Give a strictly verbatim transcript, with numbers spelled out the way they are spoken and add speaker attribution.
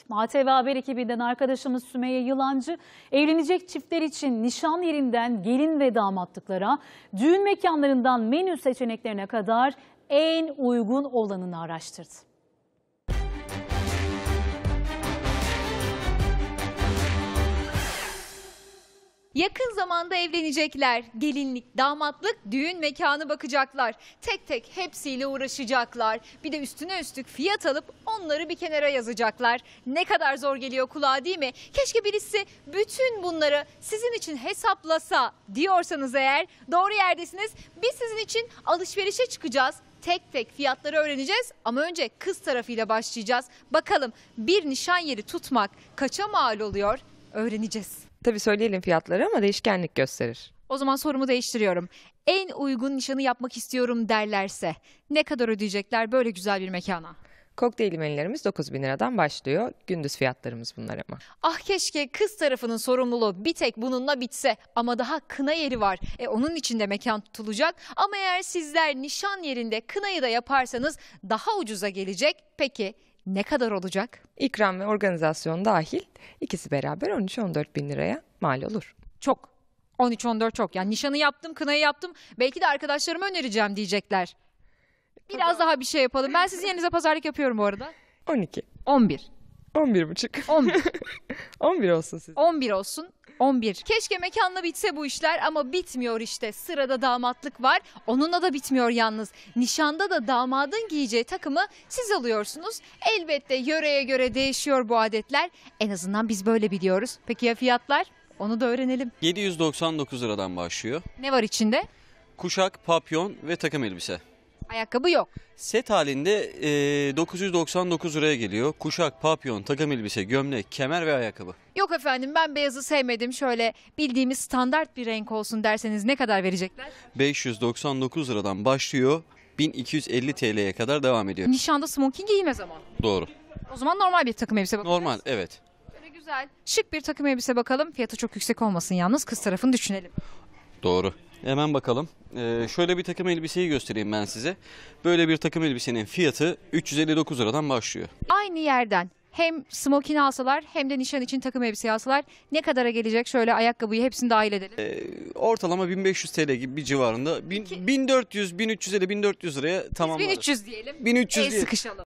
Speaker 1: A T V Haber ekibinden arkadaşımız Sümeyye Yılancı evlenecek çiftler için nişan yerinden gelin ve damatlıklara, düğün mekanlarından menü seçeneklerine kadar en uygun olanını araştırdı.
Speaker 2: Yakın zamanda evlenecekler. Gelinlik, damatlık, düğün mekanı bakacaklar. Tek tek hepsiyle uğraşacaklar. Bir de üstüne üstlük fiyat alıp onları bir kenara yazacaklar. Ne kadar zor geliyor kulağa, değil mi? Keşke birisi bütün bunları sizin için hesaplasa diyorsanız eğer doğru yerdesiniz. Biz sizin için alışverişe çıkacağız. Tek tek fiyatları öğreneceğiz ama önce kız tarafıyla başlayacağız. Bakalım bir nişan yeri tutmak kaça mal oluyor? Öğreneceğiz.
Speaker 3: Tabii söyleyelim fiyatları ama değişkenlik gösterir.
Speaker 2: O zaman sorumu değiştiriyorum. En uygun nişanı yapmak istiyorum derlerse ne kadar ödeyecekler böyle güzel bir mekana?
Speaker 3: Kokteyl menülerimiz dokuz bin liradan başlıyor. Gündüz fiyatlarımız bunlar ama.
Speaker 2: Ah keşke kız tarafının sorumluluğu bir tek bununla bitse ama daha kına yeri var. E onun için de mekan tutulacak ama eğer sizler nişan yerinde kınayı da yaparsanız daha ucuza gelecek. Peki ne kadar olacak?
Speaker 3: İkram ve organizasyon dahil ikisi beraber on üç on dört bin liraya mal olur.
Speaker 2: Çok. on üç on dört çok. Yani nişanı yaptım, kınayı yaptım. Belki de arkadaşlarıma önereceğim diyecekler. Biraz daha bir şey yapalım. Ben sizin yerinize pazarlık yapıyorum bu arada.
Speaker 3: on iki.
Speaker 2: on bir.
Speaker 3: on bir buçuk.
Speaker 2: on bir.
Speaker 3: on bir olsun siz.
Speaker 2: on bir olsun. on bir. Keşke mekanla bitse bu işler ama bitmiyor işte. Sırada damatlık var. Onunla da bitmiyor yalnız. Nişanda da damadın giyeceği takımı siz alıyorsunuz. Elbette yöreye göre değişiyor bu adetler. En azından biz böyle biliyoruz. Peki ya fiyatlar? Onu da öğrenelim.
Speaker 4: yedi yüz doksan dokuz liradan başlıyor.
Speaker 2: Ne var içinde?
Speaker 4: Kuşak, papyon ve takım elbise.
Speaker 2: Ayakkabı yok.
Speaker 4: Set halinde e, dokuz yüz doksan dokuz liraya geliyor. Kuşak, papyon, takım elbise, gömlek, kemer ve ayakkabı.
Speaker 2: Yok efendim ben beyazı sevmedim. Şöyle bildiğimiz standart bir renk olsun derseniz ne kadar verecekler?
Speaker 4: beş yüz doksan dokuz liradan başlıyor. bin iki yüz elli T L'ye kadar devam ediyor.
Speaker 2: Nişanda smoking giyilmez ama.
Speaker 4: Doğru.
Speaker 2: O zaman normal bir takım elbise bakacağız.
Speaker 4: Normal, evet.
Speaker 2: Böyle güzel. Şık bir takım elbise bakalım. Fiyatı çok yüksek olmasın yalnız. Kız tarafını düşünelim.
Speaker 4: Doğru. Hemen bakalım. Ee, şöyle bir takım elbiseyi göstereyim ben size. Böyle bir takım elbisenin fiyatı üç yüz elli dokuz liradan başlıyor.
Speaker 2: Aynı yerden hem smoking alsalar hem de nişan için takım elbise alsalar ne kadara gelecek? Şöyle ayakkabıyı hepsini dahil edelim.
Speaker 4: Ee, ortalama bin beş yüz T L gibi bir civarında. bin, bin dört yüz, bin üç yüz elli, bin dört yüz liraya tamamlarız.
Speaker 2: bin üç yüz diyelim.
Speaker 4: bin üç yüz
Speaker 2: El
Speaker 4: diye.
Speaker 2: sıkışalım.